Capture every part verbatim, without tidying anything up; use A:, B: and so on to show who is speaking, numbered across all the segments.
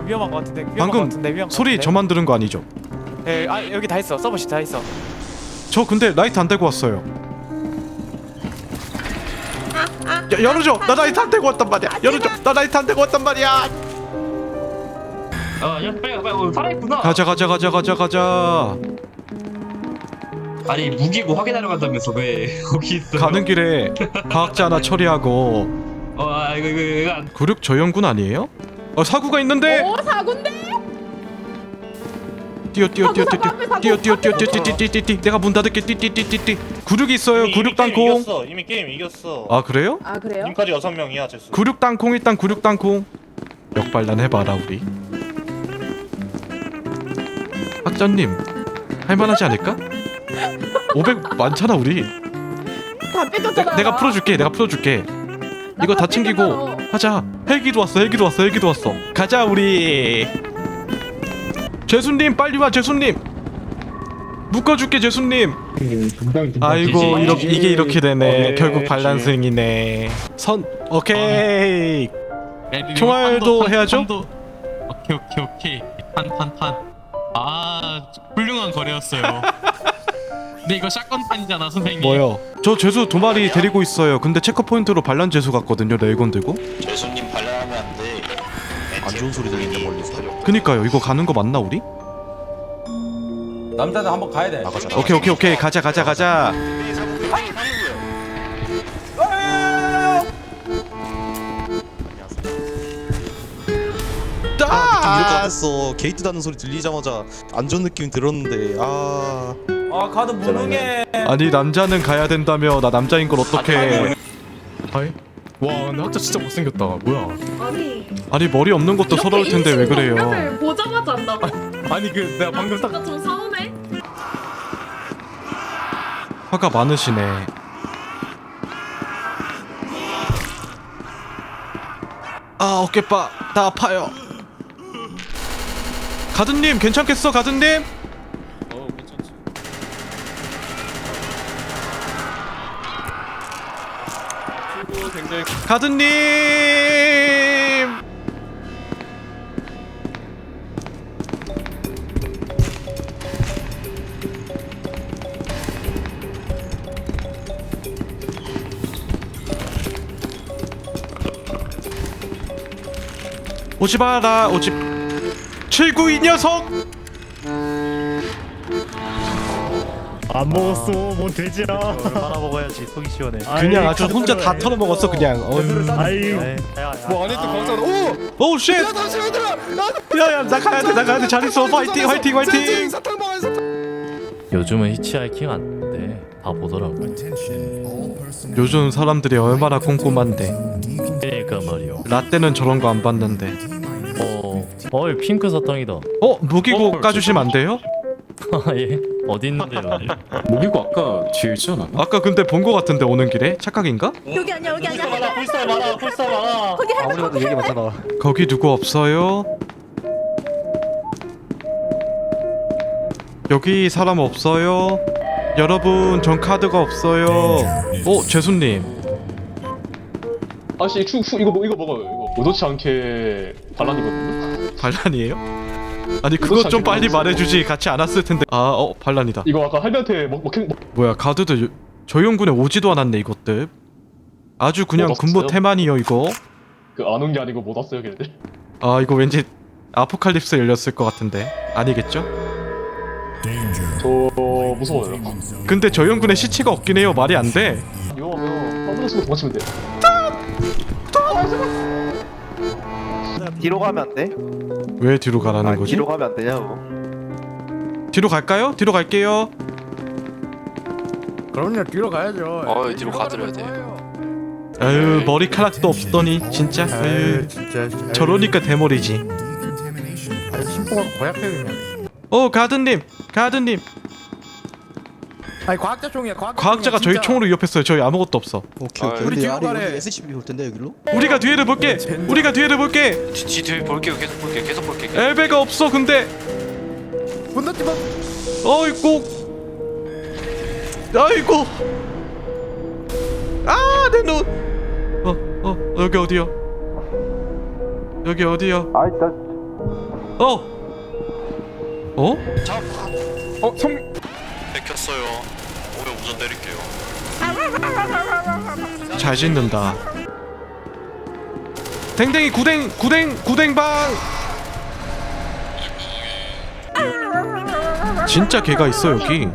A: 위험한 거 같은데. 위험한
B: 방금
A: 거 같은데, 위험한 거
B: 소리
A: 같은데.
B: 저만 들은 거 아니죠?
A: 예, 아 여기 다 있어. 서버시 다 있어.
B: 저 근데 라이트 안 대고 왔어요. 야, 열어줘. 나 라이트 안 대고 왔단 말이야. 열어줘. 나 라이트 안 대고 왔단 말이야.
C: 아, 야, 빨리, 빨리, 어, 살아있구나.
B: 가자 가자 가자 가자 가자.
C: 아니, 무기고 확인하러 간다면서 왜 거기 있어?
B: 가는 길에 과학자 하나 처리하고.
C: 어, 아, 이거, 이거, 이거 안.
B: 구륙 저연군 아니에요? 어 사구가 있는데.
D: 오 사군데?
B: 뛰어 뛰어 뛰어 뛰어
D: 사구, 사구,
B: 뛰어 뛰어 뛰어
D: 사구,
B: 뛰어 뛰어 뛰어 뛰어 뛰어 내가 문 닫을게 뛰 뛰 뛰 뛰 구륙 있어요.
E: 이미,
B: 구륙
E: 이미 게임
B: 땅콩.
E: 이겼어. 이미 게임 이겼어.
B: 아 그래요?
D: 아 그래요?
E: 지금까지 여섯 명이야 제수.
B: 구륙 땅콩 일단 구륙 땅콩. 역발란 해봐라 우리. 학자님 할만하지 않을까? 오백 많잖아 우리.
D: 다 뺏겼잖아.
B: 내, 내가 풀어줄게 내가 풀어줄게. 이거 다 챙기고 하자. 헬기도 왔어 헬기도 왔어 헬기도 왔어. 가자 우리. 죄수님 빨리 와 죄수님. 묶어줄게 죄수님. 아이고 이렇게 이게 이렇게 되네. 결국 반란승이네. 선 오케이. 총알도 해야죠?
F: 판도. 오케이 오케이 오케이 판판판. 아 훌륭한 거래였어요. 근데 이거 샷건 판이잖아 선생님.
B: 뭐요? 저 죄수 두 마리 데리고 있어요. 근데 체크포인트로 반란 죄수 같거든요. 레이건 들고.
G: 재수님 발랄하면 안 돼.
H: 안 좋은 소리 들리는데 멀리서.
B: 그니까요. 이거 가는 거 맞나 우리?
I: 남자들 한번 가야 돼.
H: 나가자. 나가자.
B: 오케이 오케이 오케이 가자 가자 가자.
H: 좀 이럴 것
B: 아!
H: 같았어. 게이트 닫는 소리 들리자마자 안 좋은 느낌이 들었는데 아.
I: 아 가드 무능해.
B: 아니 남자는 가야 된다며. 나 남자인 걸 어떡해.
F: 하이. 와 근데 학자 진짜 못생겼다. 뭐야?
D: 아니
B: 아니 머리 없는 것도 서러울 텐데 왜 그래요?
D: 인신공격을 보자마자 한다고?
F: 아니 그 내가 방금 딱
D: 좀 서운해.
B: 화가 많으시네. 아 어깨빠 나 아파요. 가든님 괜찮겠어 가든님?
F: 어 괜찮지. 친구 굉장히
B: 가든님. 오지 마라 오지. 칠구 이 녀석.
J: 안 먹었어 뭔 돼지야.
A: 얼마나 먹어야지 속이 시원해.
B: 그냥 아주 혼자 다 털어 먹었어 그냥.
J: 아이
I: 뭐 안에 또 광산. 오.
B: 오 쉣.
I: 야 다시 얘들아.
B: 야야 나 가야 돼 나 가야 돼. 잘 있어. 화이팅 화이팅 화이팅.
I: 사탕 먹어 사탕.
K: 요즘은 히치하이킹 안 돼. 다 보더라고.
B: 요즘 사람들이 얼마나 꼼꼼한데.
K: 그러니까 말이요.
B: 라떼는 저런 거 안 봤는데.
K: 어, 어이 핑크 사탕이다.
B: 어 무기고 까주시면 안 돼요?
K: 아 예. 어디 있는데요?
F: 무기고 아까 뒤에 있지 않아?
B: 아까 근데 본 거 같은데 오는 길에 착각인가?
D: 여기 아니야 여기 아니야.
E: 많아 불사 많아 불사 많아.
D: 거기 할머니
A: 아무리 봐도 얘기 많잖아.
B: 거기 누구 없어요? 여기 사람 없어요? 여러분 전 카드가 없어요. 어 죄수님.
F: 아씨 추, 추 이거 이거 먹어요. 이거 의도치 않게 반란이거든요.
B: 반란이에요? 아니 그것 좀 빨리 말해주지. 같이 안 왔을 텐데. 아 어 반란이다.
F: 이거 아까 할배한테 먹 먹힌 먹...
B: 뭐야 가드도 요- 저용군에 오지도 않았네 이것들. 아주 그냥
F: 못
B: 군부
F: 왔어요?
B: 태만이요 이거.
F: 그안 온 게 아니고 못 왔어요 걔네들.
B: 아 이거 왠지 아포칼립스 열렸을 것 같은데. 아니겠죠?
F: 저 무서워요.
B: 근데 저용군에 시체가 없긴 해요. 말이 안 돼.
F: 위험하면 아무나 쓰고 도망치면 돼.
A: 뒤로 가면 안 돼?
B: 왜 뒤로 가라는
A: 아,
B: 거지?
A: 뒤로 가면 안 되냐고.
B: 뒤로 갈까요? 뒤로 갈게요.
I: 그럼요 뒤로 가야죠.
G: 어 뒤로 가드려야 돼.
B: 아유 머리카락도 없더니 진짜. 아유
I: 아유 진짜.
B: 저러니까 대머리지.
I: 아유 심포가 고약해 그냥.
B: 어 가든님 가든님.
I: 아니 과학자 총이야 과학자.
B: 과학자가 저희 총으로 위협했어요. 저희 아무것도 없어.
H: 오케이 오케이.
I: 우리
H: 근데
I: 뒤로
H: 아래
I: 가래.
H: 여기 에스씨비 올 텐데 여기로?
B: 우리가 뒤에를 볼게. 우리가 뒤에를 볼게.
G: 뒤 뒤 볼게요. 계속 볼게. 계속 볼게.
B: 엘베가 없어 근데.
I: 분노지 마.
B: 어이구. 아이고. 아 내 눈. 어 어 여기 어디야? 여기 어디야?
A: 아 일단
B: 어? 어?
A: 어 성.
G: 뺏겼어요. 오래 우선 때릴게요.
B: 잘 짓는다. 댕댕이 구댕 구댕 구댕방. 진짜 개가 있어 여기.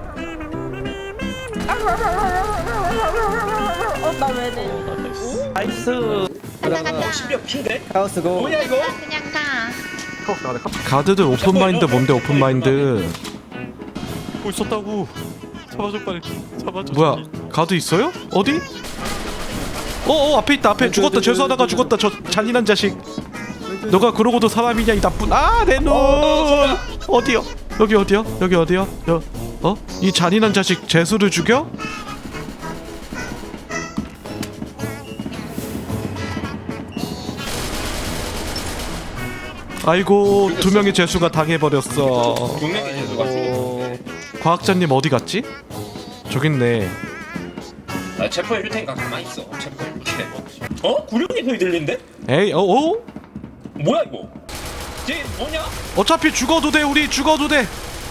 D: 어나왜 돼?
E: 나이스.
C: 십몇 킨데?
I: 카오스 고.
C: 뭐야 이거?
D: 그냥 가.
B: 가드들 오픈 마인드 뭔데 오픈 마인드?
A: 어 있었다고. 잡아줘 빨리. 잡아줘.
B: 뭐야? 가드 있어요? 어디? 어어 앞에 있다 앞에 죽었다 죄수하다가 죽었다 저 잔인한 자식. 너가 그러고도 사람이냐 이 나쁜 아 내 눈. 어디요? 여기 어디요? 여기 어디요? 여 어? 이 잔인한 자식 죄수를 죽여? 아이고 두 명의 죄수가 당해버렸어.
C: 분명히 재수가
B: 어... 과학자님 어디 갔지? 저기 있네.
C: 아 체포해 줄 테니까 가만히 있어. 체포해 줄게. 어? 구룡이 소리 들린데?
B: 에이 어? 어?
C: 뭐야 이거? 쟤 뭐냐?
B: 어차피 죽어도 돼 우리 죽어도 돼.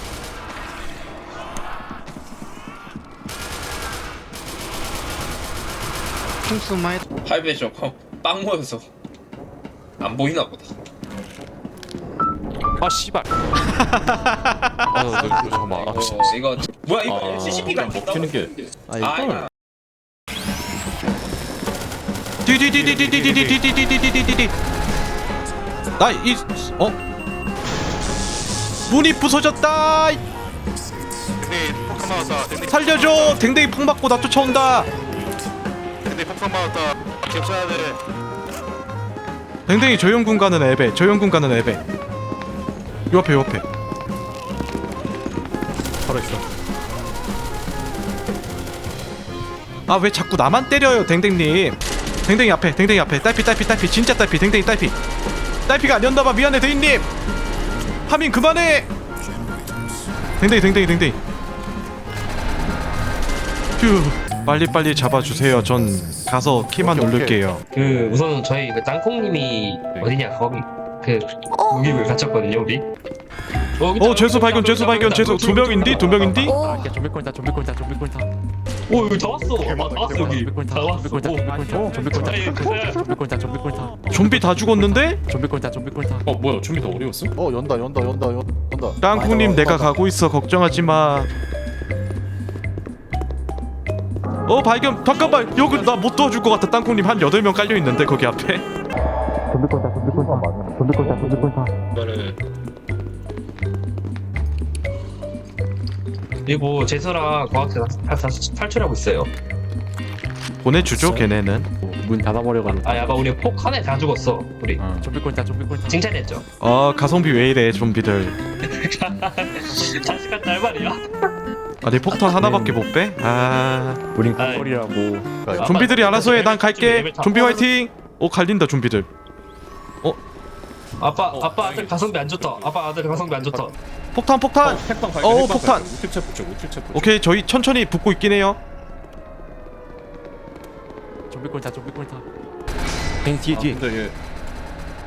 C: 할배쇼 빵 모여서 안 보이나 보다.
A: 아 씨발. 아 너, 잠깐만. 아, 씨.
C: 어, 이거 뭐야 이거
A: 아,
C: 엘씨씨피가 안 됐다.
A: 먹히는 게.
C: 아,
B: 디디디디디디디디디디디디디디디디. 나이 어? 문이 부서졌다.
G: 네, 폭탄 맞았다. 네,
B: 살려줘. 댕댕이 폭 맞고 나 쫓아온다.
G: 네, 폭탄 맞았다. 기억해야 돼.
B: 댕댕이 조용군 가는 앱에 조용군 가는 앱에 요 앞에 요 앞에 바로 있어. 아 왜 자꾸 나만 때려요 댕댕님. 댕댕이 앞에 댕댕이 앞에 딸피 딸피 딸피 진짜 딸피 댕댕이 딸피 딸피가 아니었나봐. 미안해 대인님. 하민 그만해. 댕댕이 댕댕이 댕댕이 휴 빨리빨리 잡아주세요. 전 가서 키만 누를게요.
C: 그 우선 저희 그 땅콩님이 어디냐 거기 그 무기를 갖췄거든요 우리.
B: 어 죄수 발견 죄수 발견 죄수 두 명인디 두 명인디.
K: 아, 좀비 꼴다 좀비 꼴다 좀비 꼴다
C: 오 여기 다 왔어. 다 왔어 여기.
K: 좀비 꼴다
C: 다 왔어.
K: 좀비 꼴다 좀비 꼴다 좀비 꼴다 좀비 꼴다 좀비 꼴다
B: 좀비 다 죽었는데?
K: 좀비 꼴다 좀비 꼴다
A: 어 뭐야 좀비 더 어려웠어?
I: 어 연다 연다 연다 연- 연다.
B: 땅콩님 내가 가고 있어 걱정하지 마. 어 발견 잠깐만 여기 나 못 도와줄 것 같아. 땅콩님 한 여덟 명 깔려 있는데 거기 앞에.
K: 좀비 꼴다 좀비 꼴다 좀비 꼴다 좀비 꼴다
C: 이거를 그리고 재수랑 과학자 다, 다 탈출하고 있어요.
B: 보내주죠 걔네는.
K: 문 닫아버려가는
C: 아 야바 우리 폭 하나에 다 죽었어 우리.
K: 좀비 꼴다 좀비 꼴다
C: 칭찬했죠.
B: 어 가성비 왜 이래 좀비들.
C: 자식 같다 할 말이야.
B: 아내 폭탄 하나밖에 못 빼? 아
K: 우린
C: 아이.
K: 꿀이라고
B: 좀비들이 알아서 해. 난 갈게. 좀비 화이팅. 오 갈린다 좀비들.
C: 아빠 아빠 아들 가성비 안 좋다. 아빠 아들 가성비 안 좋다.
B: 폭탄 폭탄. 어 폭탄. 오케이 저희 천천히 붙고 있긴 해요.
K: 좀비 꼴다 좀비 꼴다 뒤에 뒤에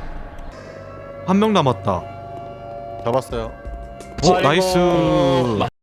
B: 한 명 남았다.
I: 잡았어요.
B: 오 나이스.